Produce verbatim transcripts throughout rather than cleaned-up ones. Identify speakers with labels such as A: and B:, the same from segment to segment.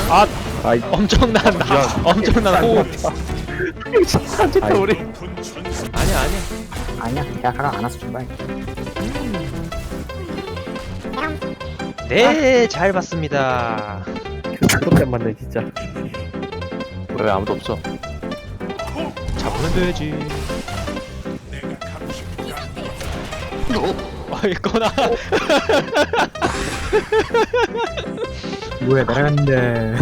A: 아
B: 아이
A: 엄청난 나 엄청난 호흡.
B: 진짜 우리
A: 아니야 아니야.
C: 아니야, 걔가 가강 안 와서 출발.
A: 네, 잘 봤습니다.
B: 그렇게 만네 진짜. 왜 아무도 없어?
A: 잡으면 돼야지. 어, 이거나.
C: 뭐야, 날아갔는데.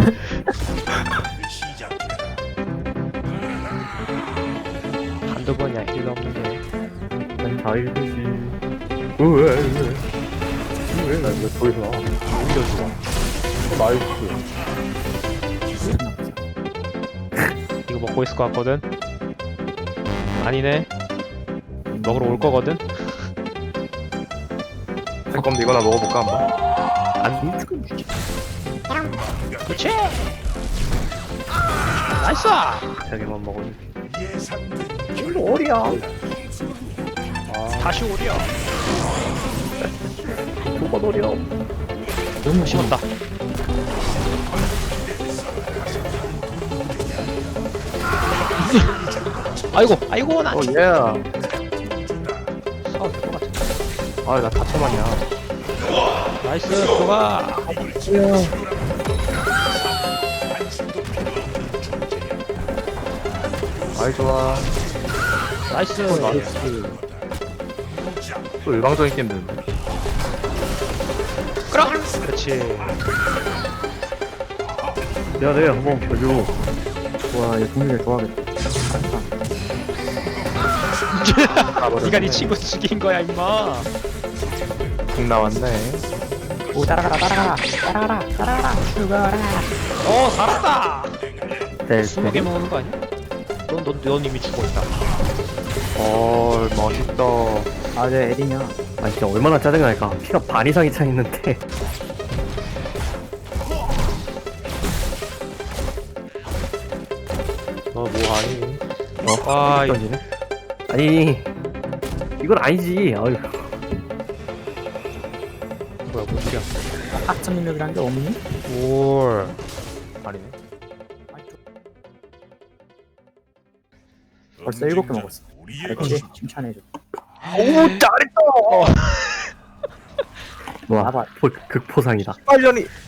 A: 한두 번이야 힐 없는데.
B: 난다 읽으지. 왜? 왜? 왜? 나 왜 거기서 나와? 올려주고. 어, 나이스.
A: 이거 먹고 있을 것 같거든. 아니네. 먹으러 올 거거든.
B: 그럼 이거나 먹어볼까 한번? 안
A: 그렇지. 나이스.
B: 자기만 먹으면.
C: 이거 어리야.
A: 다시 오려.
B: 뭐가 노려?
A: 너무 심었다. 아이고 아이고 나.
B: 어 예.
A: 싸워도 될것 같아.
B: 아나 다쳐만이야.
A: 나이스 들어가.
B: 아이 좋아.
A: 나이스.
B: 나이스. 또 일방적인 게임 되는데.
A: 끌어. 그렇지.
B: 야, 네, 한번 보여줘.
C: 와, 얘 동료를 좋아하겠다.
A: 네가 네 친구 죽인 거야 임마.
B: 국 나왔네.
C: 오, 따라가라, 따라가라, 따라가라, 따라가라, 죽어라.
A: 어 살았다.
B: 네,
A: 스무 개 먹는 거 아니야? 넌, 넌, 넌 이미 죽어있다.
B: 어, 멋있다.
C: 아, 네, 에린이야.
B: 아, 진짜 얼마나 짜증날까. 피가 반 이상이 차 있는데. 어, 뭐 아니? 어,
A: 아, 이거
B: 던지네. 아니, 이건 아니지. 아유.
A: 뭐야, 뭔 소리야.
C: 학점 능력이란 게 없니?
A: 올.
B: 아니네.
C: 벌써 일곱 개 먹었어. 그렇지, 칭찬해줘.
B: 오, 잘했다!
C: 와,
B: 와,
C: 봐봐.
B: 포, 극포상이다. 빨년이